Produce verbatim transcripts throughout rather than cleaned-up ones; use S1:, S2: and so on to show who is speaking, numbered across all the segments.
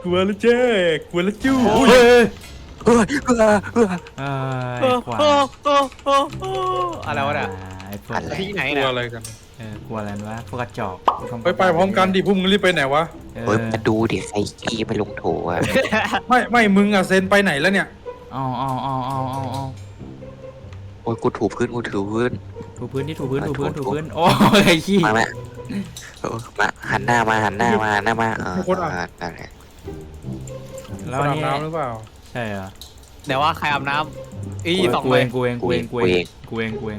S1: กลัวแล้วเจ้กลัวแล้วจู้
S2: เฮ้ย
S3: เฮ้ยเฮ้ยเฮ้ย
S2: เอ้
S4: โอ้
S2: ยควาย
S4: โอ้โอ้โอ้โอ้อะไรวะเนี่ย
S2: ไอ้พวก
S3: อะไร
S4: ที่ไหน
S1: กลั
S4: เนี่
S1: วย อะไรกัน
S2: เออกลัวอะไรวะพวกกระจอกพวก
S1: ไปไปพร้อมกันดิพวกมึงรีบไปไหนวะ
S2: เออ
S3: เฮ้ยมาดูดิใครขี้ไปลงโถอ่ะ
S1: ไม่ไม่มึงอะเซนไปไหนแล้วเนี่ย
S2: เอาเอาเอาเอาเอาเอา
S3: โอ้ยกูถูพื้นกูถูพื้น
S2: ถูพื้นที่ถูพื้น
S3: อ่ะ
S2: ถูพื้น
S3: ถู
S2: ถู
S3: ถู
S2: พื้นโอ้ยไอ้ขี้
S3: มาแม่เออมาหันหน้ามาหันหน้ามาหันหน้ามาเออเออนั่นแหละ
S2: แล้ว
S1: อาบ
S2: นี่
S1: น้ำหรือเปล่า
S2: ใช่เหรอ
S4: เดี๋ยวว่าใครอาบน้ำอีสอง
S2: กู
S4: เล
S2: เอย งกูเองกูเองกูเองกูเองกูเอง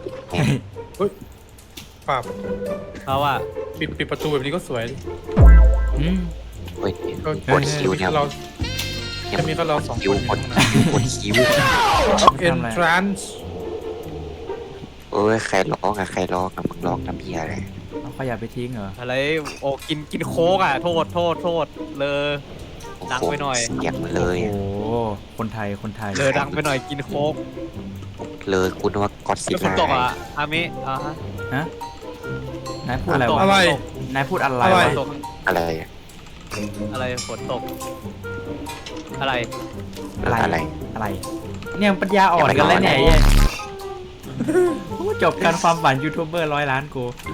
S1: ปรับ
S4: เพราะว่า
S1: ปิดปิดประตูแบบนี้ก็สวยดิ
S2: อืม
S3: เฮ้ย
S1: ก็
S3: กดคิวเนี่ย
S1: เรา
S3: ยั
S1: จะมีก็เราสอง
S3: คิ
S1: ค
S3: วน กดกดคิว
S1: เอ็นทรานส์
S3: เอ้ยใครร้องอะใครร้องอะมึงร้องน้ำเบียอะไร
S2: เอาขยะไปทิ้งเหรอ
S4: อะไรโอ้กินกินโค้กอ่ะโทษโทษโทษเลย ดังไปหน่อย
S3: เสียงเลย
S2: โอ้โหคนไทยคนไทย
S4: เลยดังไปหน่อยกินโค้ก
S3: เลยคุณว่ากอดสิ
S4: แล้วฝนตกอ่ะอามิอ่ะฮะ
S2: ฮะนายพูดอะไรวะ
S1: อะไร
S2: นายพูดอะไร
S1: อะไร
S2: วะ
S4: ตก
S3: อะไรอะ
S4: อะไรฝนตก อะไร
S2: อะไร
S3: อะไร
S2: อะไร เนี่ยปัญญาอ่อนกันแล้วเนี่ยไอ้เหี้ยโอ้จบการความฝันยูทูบเบอร์ร้อยล้านกู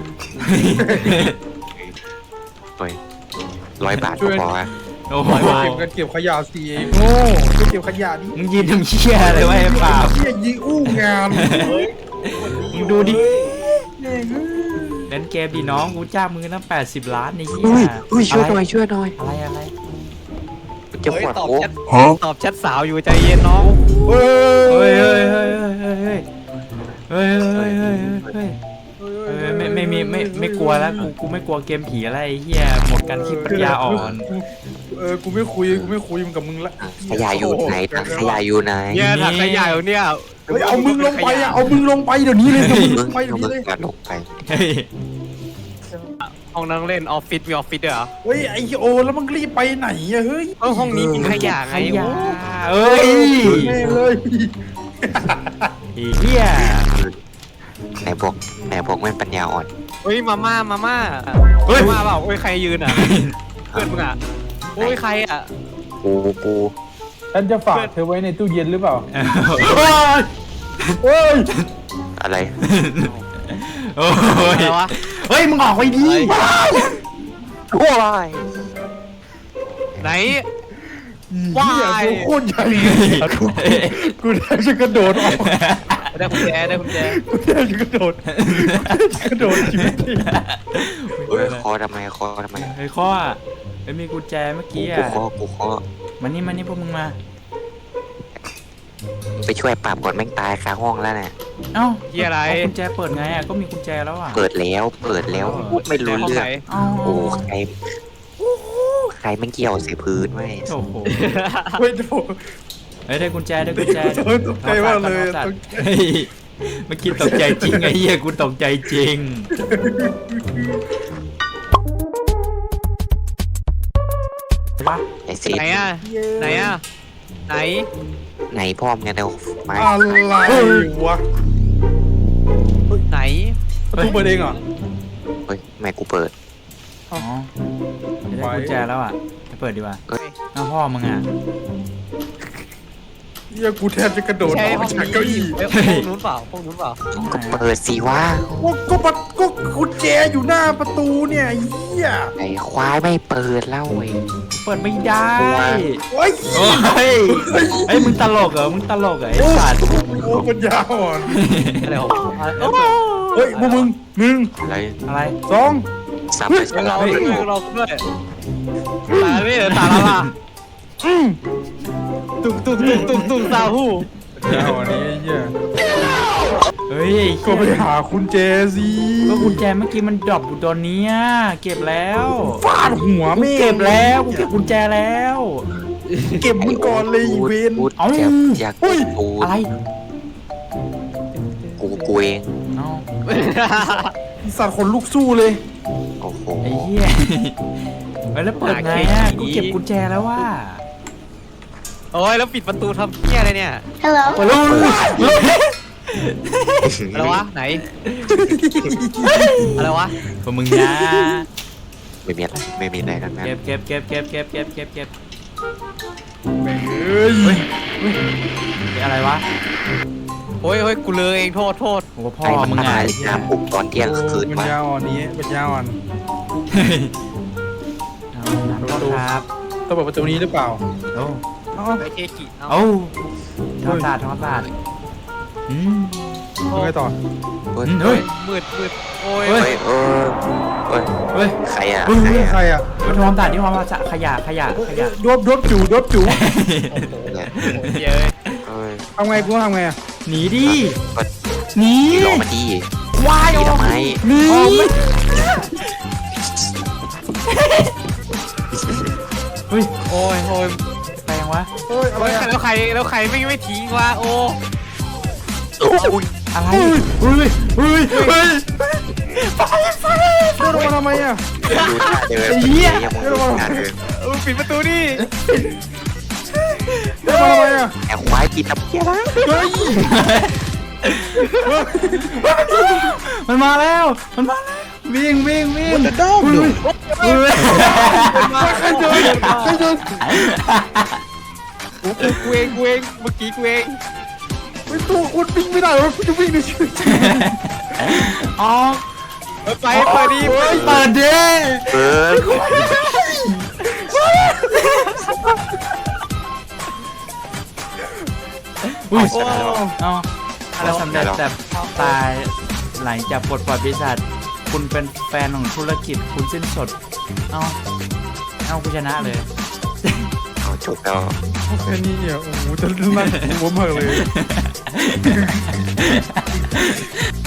S3: เฮ้ยร้อยบาทก็พออะ
S2: โอ้โห
S1: เก็บกันเก็บขยะสิโง่ไปเก็บขยะดิ
S2: มึงยืนทำเชี่ยอะไรวะไอ้ป่าบ
S1: เฮียยิงอู้งาน
S2: มึงดูดิเล่นเกมดีน้องกูจ้างมือตั้งแปดสิบล้านนี่เหี้
S3: อุ้ย
S2: ย
S3: อุ้ยช่วยหน่อยช่วยหน่อย
S2: อะไรอะไร
S3: จะ
S4: เฮ้
S3: ป
S4: ยว
S3: ด
S4: ตอบ
S3: โอ้
S4: แชทตอบแชทสาวอยู่ใจเย็นน้อง
S1: เฮ้
S2: เฮ้ย
S1: ย
S2: เฮ้ยเฮ้ยเฮ้ยเฮ้ยเฮ้ยเฮ้ยเฮ้ยเฮ้ยเฮ้ยเฮ้ยไม่ไม่มีไม่ไม่กลัวแล้วกูกูไม่กลัวเกมผีอะไรไอ้เหี้ยหมดกันที่ปัญญาอ่อน
S1: เออกูไม่คุยกูไม่คุยมึงกับมึงละ
S3: ขยะอยู่ไหนถังขยะอยู่ไหน
S4: เนี่ยถังขยะอยู่เนี่ย
S1: เฮ้ยเอามึงลงไปอ่ะเอามึงลงไปเดี๋ยวนี้เลยเอามึงล
S3: มึ
S1: ง
S3: ง
S1: ไปเดี๋ยว
S3: มึ
S1: นี้
S3: ง
S1: เลย
S3: กระลงไป
S2: เฮ้ย
S4: ห้องนั่งเล่นออฟฟิศมีออฟฟิศด้วยเหรอ
S1: เฮ้ยไอโอแล้วมึงรีบไปไหนอะเฮ้ย
S4: เออห้องนี้มีขยะไง
S2: ขยะ
S4: โอ้
S2: เอ้ย
S1: แม่เลย
S2: ไอ้เหี้ย
S3: ไหนบอกไหนบอกไม่ปัญญาอ่อน
S4: เฮ้ยมาม่ามาม่า
S2: เฮ้ย
S4: มาม่าเปล่าโอ้ยใครยืนอ่ะเพื่อนมึงอ่ะโอ้ยใครอ่ะ
S3: กูกู
S1: ฉันจะฝากเธอไว้ในตู้เย็นหรือเปล่า
S2: เฮ้ย
S1: เฮ้ย
S3: อะไร
S2: โอ้ย
S4: อะไรวะ
S2: เฮ้ยมึงออกไปดิ
S3: ว้าย
S4: ไหน
S1: ว้ายตัวโคตรใหญ่กูแทบจะกระโดดออก
S4: ได้กุญแจได้กุญแจ
S1: กูแทบจะกระโดดกระโดดชีวิตจริง
S3: เฮ้ยคอทำไมคอทำไม
S2: เฮ้ยข้อไม่มีกุญแจเมื่อ
S3: กู
S2: กี้
S3: กู
S2: อ่ะ
S3: คอกูคอ
S2: มานี่มานี่พวกมึงมา
S3: ไปช่วยปราบก่อนแม่งตายคาห้องแล้วเนี่ย
S2: เอ้า
S4: ที่อะไร
S2: เอากุญแจเปิดไงอ่ะก็มีกุญแจแล้วอ่ะ
S3: เปิดแล้วเปิดแล้วพูดไม่รู้
S4: ห้อง
S3: เรื่อ
S4: ไหน
S3: ง
S2: เอ้า
S3: โอ้ใครใครแม่งเกี่ยวใส่พื้นไว้
S2: โอ้โห
S1: เฮ้ยโถ
S2: เฮ้ยได้กุญแจได้กุญแจ
S1: เฮ้ยตกใจมากเลย
S2: สัต
S1: ต
S2: ว์
S1: กใจ
S2: เฮ้ยเมื่อกี้ตกใจจริงไอ้เหี้ยกูตกใจจริงเห็นปะ
S3: ไอ้เศษ
S4: ไหนอ่ะไหนอ่ะไหน
S3: ไหนพ่อมงกันเดี๋ยวไม้
S1: อะไรวะ
S4: ไหน
S1: ประตูเปิดเองเหรอ
S3: เฮ้ยทำไมกูเปิด
S2: อ๋อจะได้กุญแจแล้วอ่ะจะเปิดดีกว่า
S3: เอ้ย
S2: เอาพ่อมึงอ่ะ
S1: เฮียกูแทบจะกระโดด
S4: ใช่
S1: ออก
S4: ห้อง
S1: จาก
S4: นี้
S1: เก้าอี้
S4: เอ้ยห้องนู้นเปล่าห้องนู้นเปล่า
S3: ก็เปิดสิวะ
S1: ก็ก็ปัดก็กุญแจอยู่หน้าประตูเนี่ยไอ้เฮีย
S3: ไอ้ควายไม่เปิดเล่าเว้ย
S2: เปิดไม่ได้
S1: โอ้ย
S2: โอ้ยไอ้ยมึงตลกเหรอมึงตลกเหรอไอ้สัตว์
S1: โอ้ปัญญาอ่อน
S4: อะไรของอะไรเอ้ย
S1: เฮ้ยพวกมึงหนึ่ง
S3: อะไร
S2: อะไร
S1: สอง
S3: ซับไปส
S4: เรา
S3: ลับ
S4: ด้วย
S3: ไป
S4: เราด้วยตาไม่ตาละล่ะ
S1: อืม
S4: ตุกตุกตุกตุกตุกซาฮู
S1: ปัญญาอ่อนนี้ไอ้เฮีย
S2: เฮ้ยไอ้
S1: ก็
S2: เหี้ย
S1: ไปหาคุณเจสิ
S2: ก็กุญแจเมื่อกี้มันดรอปอยู่ตอนเนี้ยเก็บแล้ว
S1: ฟาดหัว
S2: กู
S1: แม่ง
S2: เก็บแล้วกูเก็บกุญแจแล้ว
S1: เก็บมึงก่อนเลยอีเวน
S3: พูด
S2: เอ้า
S3: อยากอยาก
S1: เฮ้ย
S3: กู
S2: อะไร
S3: กูกูเอง
S2: เอ้า
S1: สัตว์ขนลุกสู้เลย
S3: โอ้โห
S2: ไอ้เหี้ยเฮ้ยแล้วเปิดไงอ่ะกูเก็บกุญแจแล้วว่า
S4: โอ้ยแล้วปิดประตูทำเพี้ยอะไรเนี่ย
S5: Hello.
S2: เปิดแล้ว
S4: อะไรวะไหนอะไรวะ
S2: พวกมึงนะ
S3: ไม่มีอะไรไม่มีอะไรทั้งนั้น
S2: เก็บเก็บเก็บเก็บเก็บเก็บเก็บเก็บ
S1: แม่งเอ้ย
S2: เฮ้ยเฮ้ยอะไรวะ
S4: โอ้ยโอ้ยกูเลยเองโทษโทษ
S2: โอ้พ่อ
S3: ไอ้มัน
S2: มึง
S3: มา
S2: ไง
S3: ถ่ายน้ำปลุกตอนเที่ยงคืน
S1: ปัญ
S3: มา
S1: ญาอ่อนนี้ปัญญาอ่อน
S2: น้ำก็ครับ
S1: ต้องเปิดประตูนี้หรือเปล่า
S2: โอ้
S1: เอ้า
S4: ไอเคกิเอา
S2: โอ้ทำศาสตร์ทำศาสตร์อืม
S1: ยังไงต่อ
S3: เฮ้ย
S2: เฮ้ย
S4: มืดมืดโอ้ย
S2: เฮ้
S3: เฮ้ยเออเฮ้ย
S2: เฮ้ย
S3: ใครอ่ะ
S2: เฮ้ย
S3: ใคร
S1: ใคร
S3: อ่ะ
S1: อ่ะ
S2: ไปทำศาสตร์ที่ทำศาสตร์ขยะขยะขยะ
S1: ดบดบจู่ดบจู่
S3: เนี่ย
S4: เยอะ
S3: เฮ้ย
S1: ทำไงกูต้องทำไงอ่ะ
S2: หนีดิหนี
S3: พี่รอมาดี
S2: วาย
S3: ดีทำไม
S2: หนี เฮ้ย
S4: โอ้ยโอ้ย
S2: ไปยังวะ
S1: เฮ้ยอะไร
S4: แล้ว
S1: อ่ะ
S4: แล้วใครแล้วใครไม่ไม่ทิ้งวะโอ้
S3: โอ้ย
S2: อะไรเฮ้ยเฮ้ยเฮ้ย
S1: โดนมาทำไมอ่ะ
S3: ดูท่าเดิน
S2: ไอ้เหี้ย
S3: ยังมองดูท่าเดิน
S4: เออปิดประตูดิ
S1: โดนมาทำไมอ่ะ
S3: แอบควายกินน้ำเกี้ยนะ
S1: เฮ้ย
S2: มันมาแล้ว มันมาแล้ววิ่งวิ่งวิ่ง
S1: มันจะด้อมดู
S2: เฮ้ย
S1: ใครเดินใครเดิน
S4: กูกูกูเองกูเองเมื่อกี้กูเอง
S1: ไอ้ตัวคนวิ่งไม่ได้หรอกูจะวิ่งในชีวิต
S2: อ๋อ
S4: เออไปเปิดดิเปิด
S2: เปิดดิ
S3: เออ
S2: อุ้ย
S4: โอ้
S2: เอาเราสำเร็จแต่ตายหลังจากปลดปล่อยปีศาจคุณเป็นแฟนของธุรกิจคุณสิ้นสด เอาเอากูชนะเลย
S3: เอาจบแล้ว
S1: แค่นี้เนี่ยโอ้โหจะนั่งหัวมากเลย